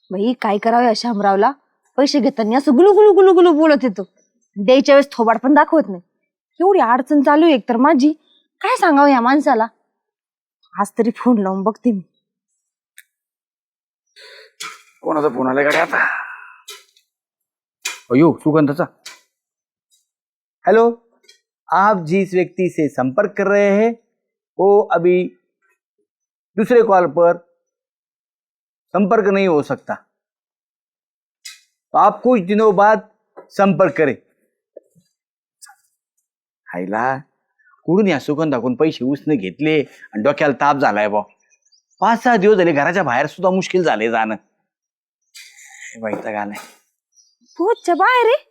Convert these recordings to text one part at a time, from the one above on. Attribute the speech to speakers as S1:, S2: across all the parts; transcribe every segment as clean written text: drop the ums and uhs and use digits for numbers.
S1: बाई काय करावं या शामरावला, पैसे घेताना असं गुलू गुलू गुलू गुलू बोलत येतो, द्यायच्या वेळेस थोबाड पण दाखवत नाही. एवढी अडचण चालू आहे एकतर माझी, काय सांगावं या माणसाला. आज तरी फोन लावून बघते मी.
S2: कोणाचा फोन आलाय गाडी आता? अयो सुगंधाचा. हेलो, आप जिस व्यक्ति से संपर्क कर रहे हैं वो अभी दूसरे कॉल पर संपर्क नहीं हो सकता, तो आप कुछ दिनों बाद संपर्क करें. हायला कुठून या सुगंधाकडून पैसे उसने घेतले आणि डोक्याला ताप झालाय बा. 5-6 दिवस झाले घराच्या बाहेर सुद्धा मुश्किल झाले जाणं. वैताग आलाय.
S1: पोहोचच्या बाहेर आहे.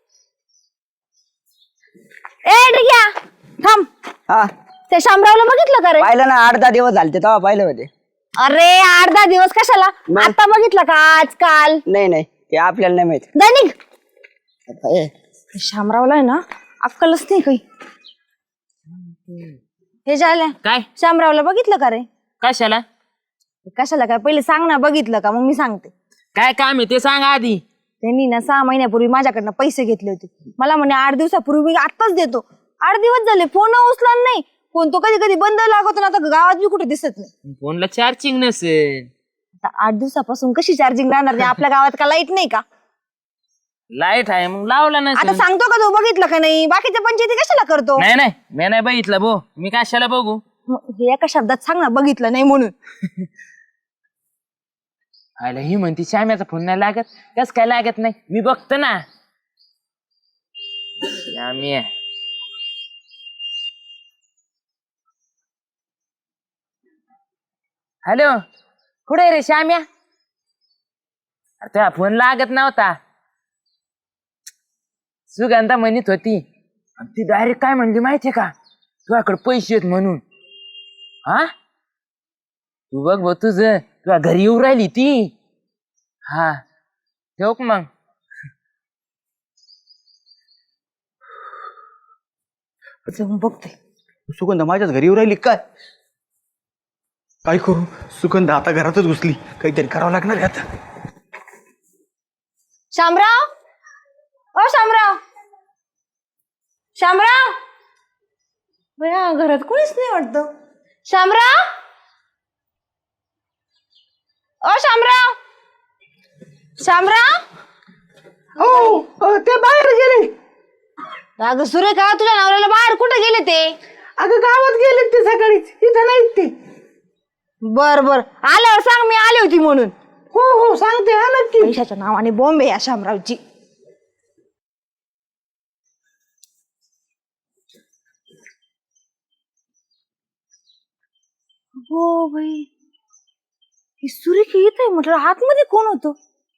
S1: ए डिग्या थांब.
S3: हा
S1: त्या शामरावला बघितलं का रे?
S3: पाहिलं ना, 8-10 दिवस झाले तेव्हा पाहिलं होते.
S1: अरे 8-10 दिवस कशाला, आता बघितलं का आजकाल?
S3: नाही ते आपल्याला नाही माहित.
S1: दैनिक
S3: ए,
S1: शामरावला आहे ना अक्कलच नाही काही. हे झालं
S4: काय
S1: शामरावला बघितलं का रे?
S4: कशाला?
S1: कशाला काय, पहिले सांग ना, बघितलं का? मग मी सांगते.
S4: काय काम आहे ते सांग आधी.
S1: त्यांनी ना 6 महिन्यापूर्वी माझ्याकडनं पैसे घेतले होते. मला म्हणे 8 दिवसापूर्वी मी आत्ताच देतो. 8 दिवस झाले फोन उचला नाही. फोन तो कधी कधी बंद लागतो ना, आता गावात बी कुठे दिसत नाही.
S4: फोनला चार्जिंग नसेल.
S1: आता 8 दिवसापासून कशी चार्जिंग राहणार? आपल्या गावात का लाईट नाही का?
S4: लाईट आहे मग लावला
S1: आता
S4: नसेल.
S1: सांगतो का तू बघितलं का नाही? बाकीच्या पंचायती कशाला करतो?
S4: नाही मी नाही बघितलं भो. मी कशाला बघू?
S1: हे एका शब्दात सांग ना, बघितलं नाही म्हणून.
S4: आयला ही म्हणती श्याम्याचा फोन नाही लागत. कस काय लागत नाही? मी बघतो ना. श्याम्या हॅलो, कुठे रे श्याम्या? अरे तुझा फोन लागत नव्हता. सुगंधा म्हणत होती आणि ती डायरेक्ट काय म्हणली माहितीये का? तुझ्याकडे पैसे आहेत म्हणून. हा तू बघ भाऊ, तुझ्या घरी येऊ राहिली ती. हा ठेव मग.
S1: जाऊन बघते.
S2: सुगंधा माझ्याच घरी येऊ राहिली काय? काय करू? सुगंधा आता घरातच घुसली, काहीतरी करावं लागणार आहे आता.
S1: शामराव, ओ शामराव, शामराव. बया घरात कोणीच नाही वाटतं. शामराव, ओ शामराव, शामराव.
S3: हो ते बाहेर गेले.
S1: अगं सुरेखा, तुझ्या नवऱ्याला बाहेर कुठे गेले ते?
S3: अगं गावात गेले ते सकाळीच, इथं नाहीत ते.
S1: बर आल्यावर सांग, मी आली होती म्हणून.
S3: हो सांगते, हा नक्की.
S1: पैशाच्या नावाने बॉम्ब आहे या शामरावची. हो भाई, ही सुरेखी येत आहे म्हटलं, आतमध्ये कोण होतो?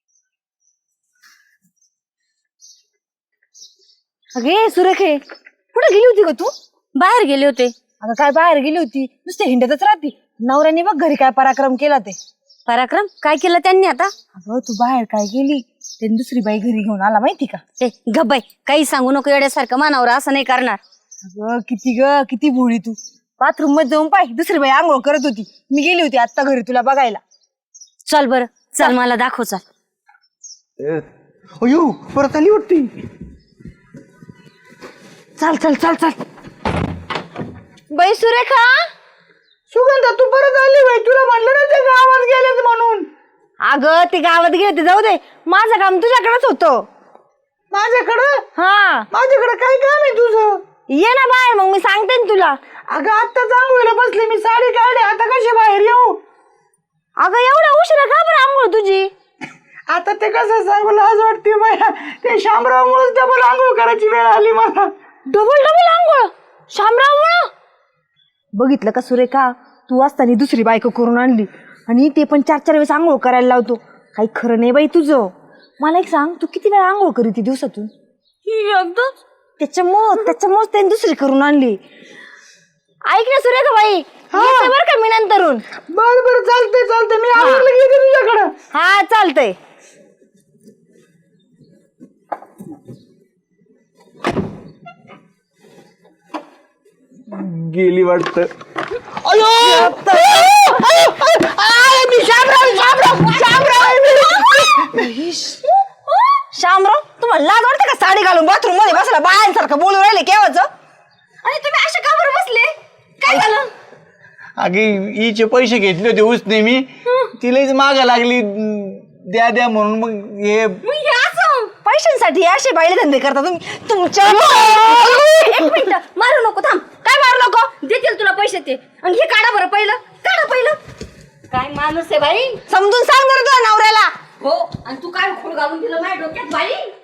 S1: अगे सुरेखे, कुठे गेली होती ग तू?
S5: बाहेर गेले होते.
S1: अगं काय बाहेर गेली होती? नुसते हिंडतच राहती. नवऱ्याने बघ घरी काय पराक्रम केला ते.
S5: पराक्रम काय केलं त्यांनी आता?
S1: अगं तू बाहेर काय गेली, ते दुसरी बाई घरी घेऊन आला माहिती का?
S5: ए गब्बाई, काही सांगू नको येड्यासारखं. मानावर असं नाही करणार.
S1: अगं किती भोळी तू. बाथरूम मध्ये जाऊन पाय, दुसरी बाई आंघोळ करत होती. मी गेली होती आता घरी तुला बघायला.
S5: चल बरं, चल मला दाखव. चल.
S2: अयो परत आली वाटते.
S1: चल बाई सुरेखा.
S3: सुगंधा तू परत आली बाई, तुला म्हणलं ना ते गावात गेलेत म्हणून.
S1: अगं ते गावात गेले ते जाऊ दे, माझं काम तुझ्याकडेच होतं.
S3: माझ्याकडं?
S1: हा,
S3: माझ्याकडे काय काम आहे तुझं?
S1: ये ना बाहेर, मग मी सांगते ना तुला.
S3: अगं आता आंघोळीला बसले, मी साडी काढली, आता कशी बाहेर येऊ?
S1: अगं एवढा उशिरा का बरं आंघोळ तुझी?
S3: आता ते कसं सांगू, लाज वाटते मला. ते शामरावमुळेच डबल आंघोळ करायची वेळ आली मला.
S1: डबल आंघोळ शामराव? बघितलं का सुरेखा, तू असताना दुसरी बायको करून आणली आणि ते पण 4-4 वेळेस आंघोळ करायला लावतो. काही खरं नाही बाई तुझं. मला एक सांग, तू किती वेळा आंघोळ करीती दिवसातून?
S5: एकदम.
S1: त्याच्यामुळेच त्याने दुसरी करून आणली. ऐक ना सुरेखा बाई, येते बरं का मी नंतरून.
S3: बरं चालतंय, मी आवडलं गेले तुझ्याकडं.
S1: हा चालतंय.
S2: गेली वाटत.
S3: मी शामराव
S1: सारखं बोलू राहिले केव्हाच. आणि तुम्ही असे का बरं बसले? काय झालं?
S2: अगे हिचे पैसे घेतले होते उसने मी, तिलाच मागा लागली द्या द्या म्हणून. मग हे
S1: हे असं पैशांसाठी असे बाईले धंदे करता तुम्ही तुमच्या.
S5: एक मिनिट, मारू नको, थांब. काय मारू नको, देतील तुला पैसे ते. आणि हे काढा बरं पहिलं, काढा पहिलं. काय माणूस आहे बाई.
S1: समजून सांग जरा तुझ्या नवऱ्याला.
S5: हो, आणि तू काय खोड घालून दिलं माझ्या डोक्यात बाई.